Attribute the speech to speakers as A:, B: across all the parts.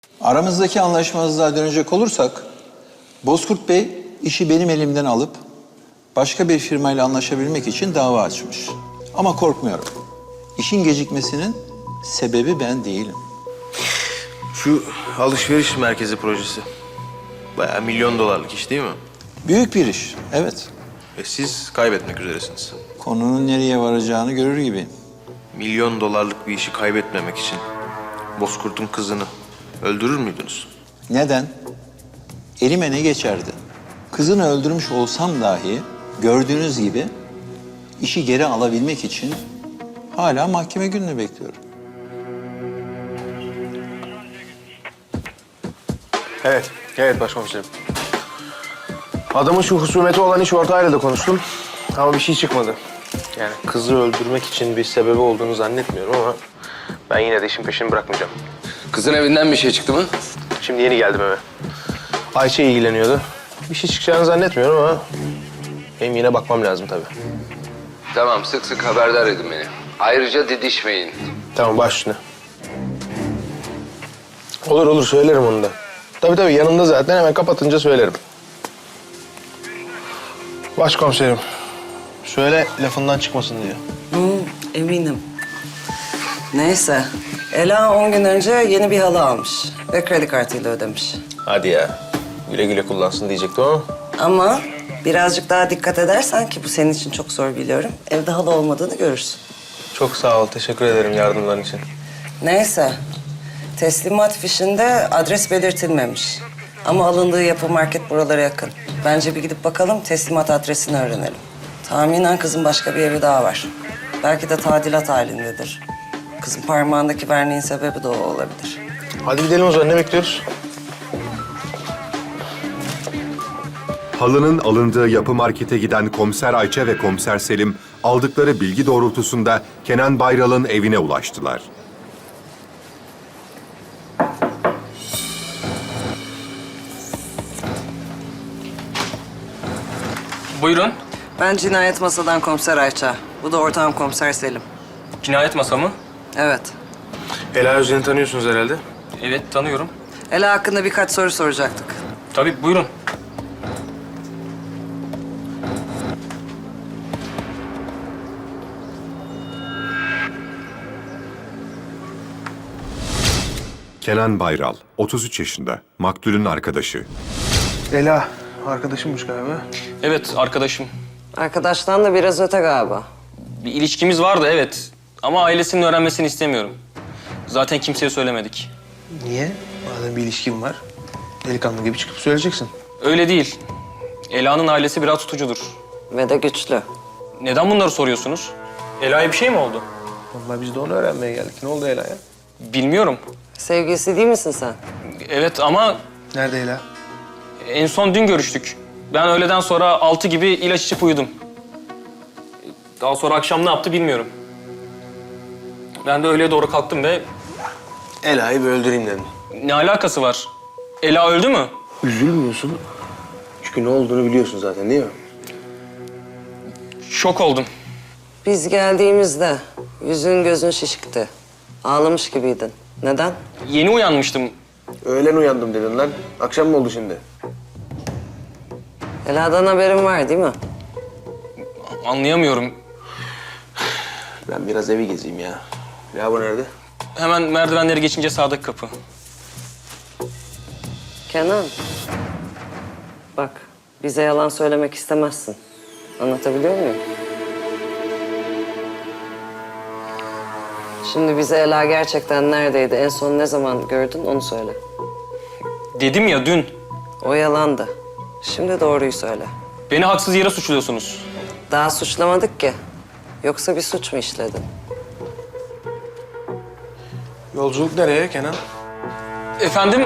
A: Aramızdaki anlaşmazlığa dönecek olursak, Bozkurt Bey işi benim elimden alıp başka bir firmayla anlaşabilmek için dava açmış. Ama korkmuyorum. İşin gecikmesinin sebebi ben değilim.
B: Şu alışveriş merkezi projesi. Bayağı milyon dolarlık iş değil mi?
A: Büyük bir iş, evet.
B: Ve siz kaybetmek üzeresiniz.
A: Konunun nereye varacağını görür gibiyim.
B: Milyon dolarlık bir işi kaybetmemek için Bozkurt'un kızını öldürür müydünüz?
A: Neden? Elime ne geçerdi? Kızını öldürmüş olsam dahi gördüğünüz gibi işi geri alabilmek için hala mahkeme gününü bekliyorum.
C: Evet başkomiserim. Adamın şu husumeti olan iş ortağıyla da konuştum ama bir şey çıkmadı. Yani kızı öldürmek için bir sebebi olduğunu zannetmiyorum ama ben yine de işin peşini bırakmayacağım.
D: Kızın evinden bir şey çıktı mı?
C: Şimdi yeni geldim eve. Ayşe ilgileniyordu. Bir şey çıkacağını zannetmiyorum ama benim yine bakmam lazım tabii.
D: Tamam, sık sık haberdar edin beni. Ayrıca didişmeyin.
C: Tamam baş üstüne. Olur söylerim onu da. Tabii yanımda zaten, hemen kapatınca söylerim. Başkomiserim, söyle lafından çıkmasın diye.
E: Eminim. Neyse. Ela 10 gün önce yeni bir halı almış ve kredi kartıyla ödemiş.
C: Hadi ya. Güle güle kullansın diyecektim ama.
E: Ama birazcık daha dikkat edersen, ki bu senin için çok zor biliyorum, evde halı olmadığını görürsün.
C: Çok sağ ol, teşekkür ederim yardımların için.
E: Neyse. Teslimat fişinde adres belirtilmemiş. Ama alındığı yapı market buralara yakın. Bence bir gidip bakalım, teslimat adresini öğrenelim. Tahminen kızın başka bir evi daha var. Belki de tadilat halindedir. Kızın parmağındaki verniğin sebebi de o olabilir.
C: Hadi gidelim o zaman, ne bekliyoruz?
F: Halının alındığı yapı markete giden Komiser Ayça ve Komiser Selim aldıkları bilgi doğrultusunda Kenan Bayral'ın evine ulaştılar.
G: Buyurun.
E: Ben cinayet masadan komiser Ayça. Bu da ortağım komiser Selim.
G: Cinayet masamı.
E: Evet.
C: Ela Özden'i tanıyorsunuz herhalde.
G: Evet, tanıyorum.
E: Ela hakkında birkaç soru soracaktık.
G: Tabii, buyurun.
F: Kenan Bayral, 33 yaşında, maktulün arkadaşı.
C: Ela, arkadaşımmış galiba.
G: Evet, arkadaşım.
E: Arkadaştan da biraz öte galiba.
G: Bir ilişkimiz vardı, evet. Ama ailesinin öğrenmesini istemiyorum. Zaten kimseye söylemedik.
C: Niye? Madem bir ilişkin var, delikanlı gibi çıkıp söyleyeceksin.
G: Öyle değil. Ela'nın ailesi biraz tutucudur.
E: Ve de güçlü.
G: Neden bunları soruyorsunuz? Ela'ya bir şey mi oldu?
C: Vallahi biz de onu öğrenmeye geldik. Ne oldu Ela'ya?
G: Bilmiyorum.
E: Sevgilisi değil misin sen?
G: Evet ama
C: Nerede Ela?
G: en son dün görüştük. Ben öğleden sonra 6 gibi ilaç içip uyudum. Daha sonra akşam ne yaptı bilmiyorum. Ben de öğleye doğru kalktım ve
C: Ela'yı bir öldüreyim dedim.
G: ne alakası var? Ela öldü mü?
C: Üzülmüyorsun. Çünkü ne olduğunu biliyorsun zaten değil mi?
G: Şok oldum.
E: Biz geldiğimizde yüzün gözün şişikti. Ağlamış gibiydin. Neden?
G: Yeni uyanmıştım.
C: Öğlen uyandım dedin lan. Akşam mı oldu şimdi?
E: Ela'dan haberin var değil mi?
G: Anlayamıyorum.
C: Ben biraz evi gezeyim ya. Ya bu nerede?
G: Hemen merdivenleri geçince sağdaki kapı.
E: Kenan. Bak, bize yalan söylemek istemezsin. Anlatabiliyor muyum? Şimdi bize Ela gerçekten neredeydi, en son ne zaman gördün onu söyle.
G: Dedim ya dün.
E: O yalandı. Şimdi doğruyu söyle.
G: Beni haksız yere suçluyorsunuz.
E: Daha suçlamadık ki. Yoksa bir suç mu işledin?
C: Yolculuk nereye Kenan?
G: Efendim?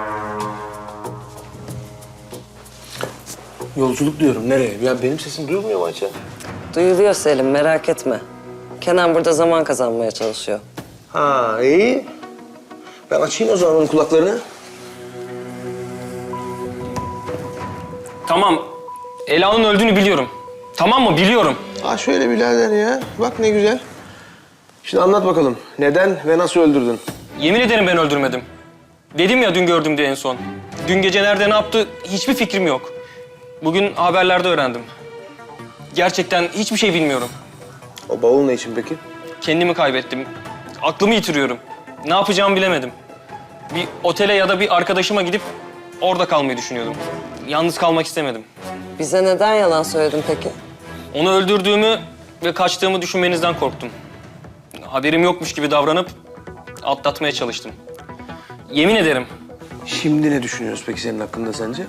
C: Yolculuk diyorum. Nereye? Ya benim sesim duyulmuyor mu Ayça?
E: Duyuluyor Selim, merak etme. Kenan burada zaman kazanmaya çalışıyor.
C: Ha iyi. Ben açayım o zaman onun kulaklarını.
G: Tamam. Ela'nın öldüğünü biliyorum. Tamam mı? Biliyorum.
C: Ha şöyle birader ya. Bak ne güzel. Şimdi anlat bakalım. Neden ve nasıl öldürdün?
G: Yemin ederim ben öldürmedim. Dedim ya dün gördüm diye en son. Dün gece nerede ne yaptı hiçbir fikrim yok. Bugün haberlerde öğrendim. Gerçekten hiçbir şey bilmiyorum.
C: O bavul ne için peki?
G: Kendimi kaybettim. Aklımı yitiriyorum. Ne yapacağımı bilemedim. Bir otele ya da bir arkadaşıma gidip orada kalmayı düşünüyordum. Yalnız kalmak istemedim.
E: Bize neden yalan söyledin peki?
G: Onu öldürdüğümü ve kaçtığımı düşünmenizden korktum. Haberim yokmuş gibi davranıp atlatmaya çalıştım. Yemin ederim.
C: Şimdi ne düşünüyoruz peki senin hakkında sence?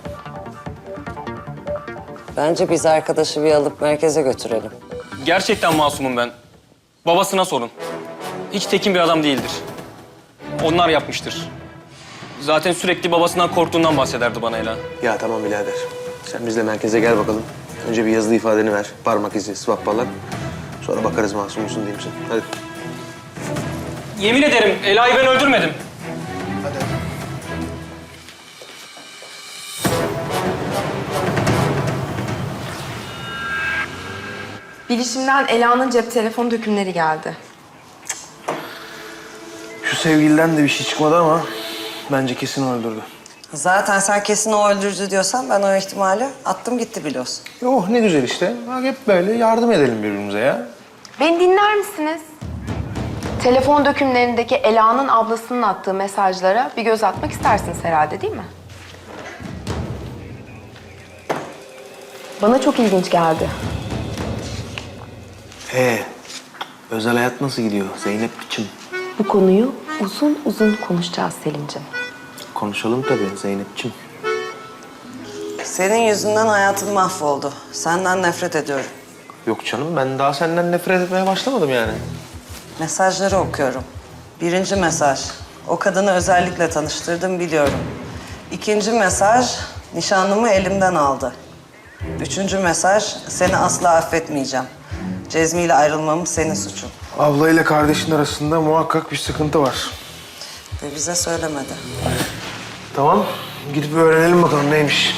E: Bence biz arkadaşı bir alıp merkeze götürelim.
G: Gerçekten masumum ben. Babasına sorun. Hiç tekin bir adam değildir. Onlar yapmıştır. Zaten sürekli babasından korktuğundan bahsederdi bana Ela.
C: Ya tamam birader. Sen bizle merkeze gel bakalım. Önce bir yazılı ifadeni ver. Parmak izi, swap falan. Sonra bakarız masum musun değil misin? Hadi.
G: Yemin ederim Ela'yı ben öldürmedim.
H: Bilişimden Ela'nın cep telefonu dökümleri geldi.
C: Şu sevgiliden de bir şey çıkmadı ama bence kesin öldürdü.
E: Zaten sen kesin o öldürdü diyorsan ben o ihtimali attım gitti biliyorsun.
C: Oh ne güzel işte. Bak hep böyle yardım edelim birbirimize ya.
H: Beni dinler misiniz? Telefon dökümlerindeki Ela'nın ablasının attığı mesajlara bir göz atmak istersiniz herhalde değil mi? Bana çok ilginç geldi.
C: Özel hayat nasıl gidiyor Zeynep biçim?
H: Bu konuyu uzun uzun konuşacağız Selimciğim.
C: Konuşalım tabii Zeynep'ciğim.
E: Senin yüzünden hayatım mahvoldu. Senden nefret ediyorum.
C: Yok canım ben daha senden nefret etmeye başlamadım yani.
E: Mesajları okuyorum. 1. mesaj. O kadını özellikle tanıştırdım biliyorum. 2. mesaj. Nişanlımı elimden aldı. 3. mesaj. Seni asla affetmeyeceğim. Cezmi ile ayrılmamız senin suçun.
C: Ablayla kardeşin arasında muhakkak bir sıkıntı var.
E: Ve bize söylemedi.
C: Tamam gidip öğrenelim bakalım neymiş.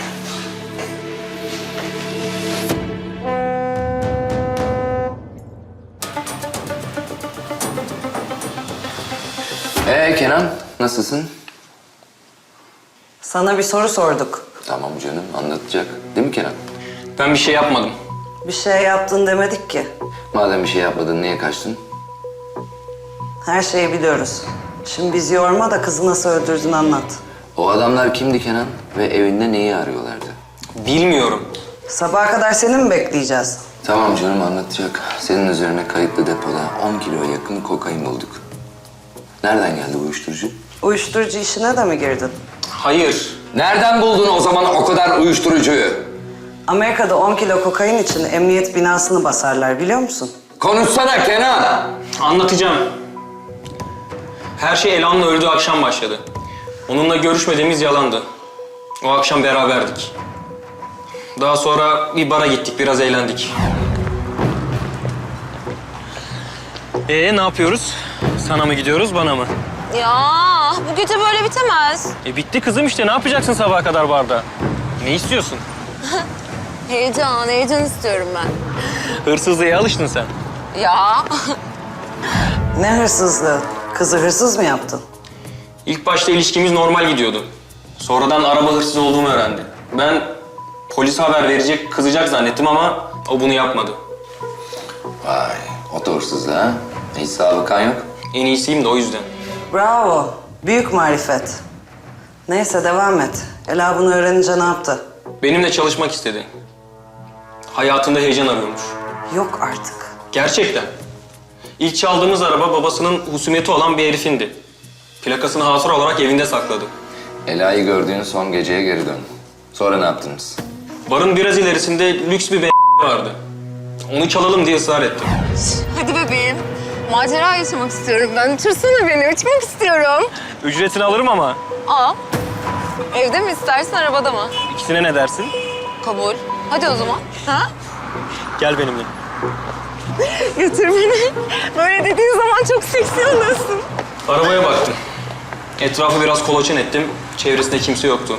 D: Kenan, nasılsın?
E: Sana bir soru sorduk.
D: Tamam canım, anlatacak. Değil mi Kenan?
G: Ben bir şey yapmadım.
E: Bir şey yaptın demedik ki.
D: Madem bir şey yapmadın, niye kaçtın?
E: Her şeyi biliyoruz. Şimdi bizi yorma da kızı nasıl öldürdün anlat.
D: O adamlar kimdi Kenan? Ve evinde neyi arıyorlardı?
G: Bilmiyorum.
E: Sabaha kadar seni mi bekleyeceğiz?
D: Tamam canım, anlatacak. Senin üzerine kayıtlı depoda 10 kiloya yakın kokain bulduk. Nereden geldi bu uyuşturucu?
E: Uyuşturucu işine de mi girdin?
G: Hayır.
D: Nereden buldun o zaman o kadar uyuşturucuyu?
E: Amerika'da 10 kilo kokain için emniyet binasını basarlar biliyor musun?
D: Konuşsana Kenan!
G: Anlatacağım. Her şey Ela'nın öldüğü akşam başladı. Onunla görüşmediğimiz yalandı. O akşam beraberdik. Daha sonra bir bara gittik, biraz eğlendik. Ne yapıyoruz? Sana mı gidiyoruz, bana mı?
I: Ya bu gece böyle bitemez.
G: Bitti kızım işte. Ne yapacaksın sabaha kadar barda? Ne istiyorsun?
I: Heyecan istiyorum ben.
G: Hırsızlığa alıştın sen.
I: Ya
E: Ne hırsızlığı? Kızı hırsız mı yaptın?
G: İlk başta ilişkimiz normal gidiyordu. Sonradan araba hırsız olduğumu öğrendi. Ben polise haber verecek, kızacak zannettim ama o bunu yapmadı.
D: Vay, o da hırsızdı ha? Hiç sabıkan yok.
G: En iyisiyim de o yüzden.
E: Bravo. Büyük marifet. Neyse devam et. Ela bunu öğrenince ne yaptı?
G: Benimle çalışmak istedi. Hayatında heyecan arıyormuş.
E: Yok artık.
G: Gerçekten. İlk çaldığımız araba babasının husumeti olan bir herifindi. Plakasını hatıra olarak evinde sakladı.
D: Ela'yı gördüğün son geceye geri dön. Sonra ne yaptınız?
G: Barın biraz ilerisinde lüks bir vardı. Onu çalalım diye ısrar ettim.
I: hadi bebeğim. Macera yaşamak istiyorum ben. Uçursana beni, uçmak istiyorum.
G: Ücretini alırım ama
I: Aa, evde mi istersin, arabada mı?
G: ikisine ne dersin?
I: Kabul. Hadi o zaman. Ha?
G: Gel benimle.
I: Götür beni. Böyle dediğin zaman çok seksi oluyorsun.
G: Arabaya baktım. Etrafı biraz kolaçan ettim. Çevresinde kimse yoktu.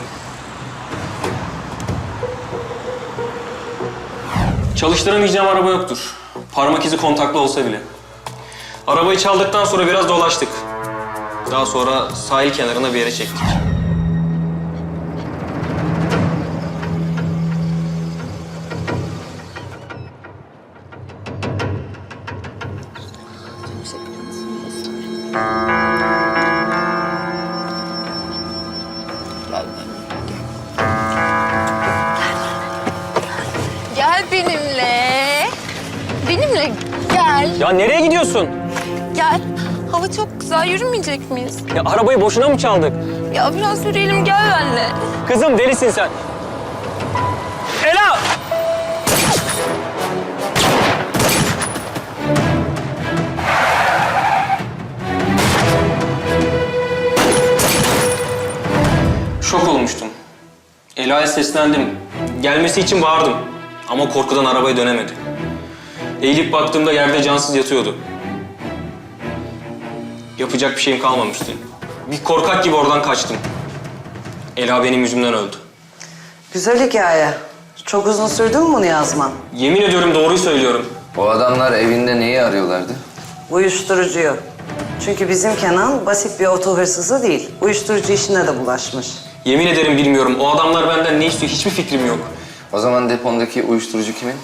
G: Çalıştıramayacağım araba yoktur. Parmak izi kontaklı olsa bile. Arabayı çaldıktan sonra biraz dolaştık. Daha sonra sahil kenarına bir yere çektik.
I: Gel benimle. Benimle gel.
G: Ya nereye gidiyorsun?
I: Gel. Hava çok güzel. Yürümeyecek miyiz?
G: Ya arabayı boşuna mı çaldık?
I: Ya biraz yürüyelim. Gel benimle.
G: Kızım delisin sen. Ela! Şok olmuştum. Ela'ya seslendim. Gelmesi için bağırdım. Ama korkudan arabaya dönemedi. Eğilip baktığımda yerde cansız yatıyordu. Yapacak bir şeyim kalmamıştı. Bir korkak gibi oradan kaçtım. Ela benim yüzümden öldü.
E: Güzel hikaye. Çok uzun sürdü mü bunu yazman?
G: Yemin ediyorum doğruyu söylüyorum.
D: O adamlar evinde neyi arıyorlardı?
E: Uyuşturucuyu. Çünkü bizim Kenan basit bir oto hırsızı değil. Uyuşturucu işine de bulaşmış.
G: Yemin ederim bilmiyorum. O adamlar benden ne istiyor hiçbir fikrim yok.
D: O zaman depondaki uyuşturucu kimin?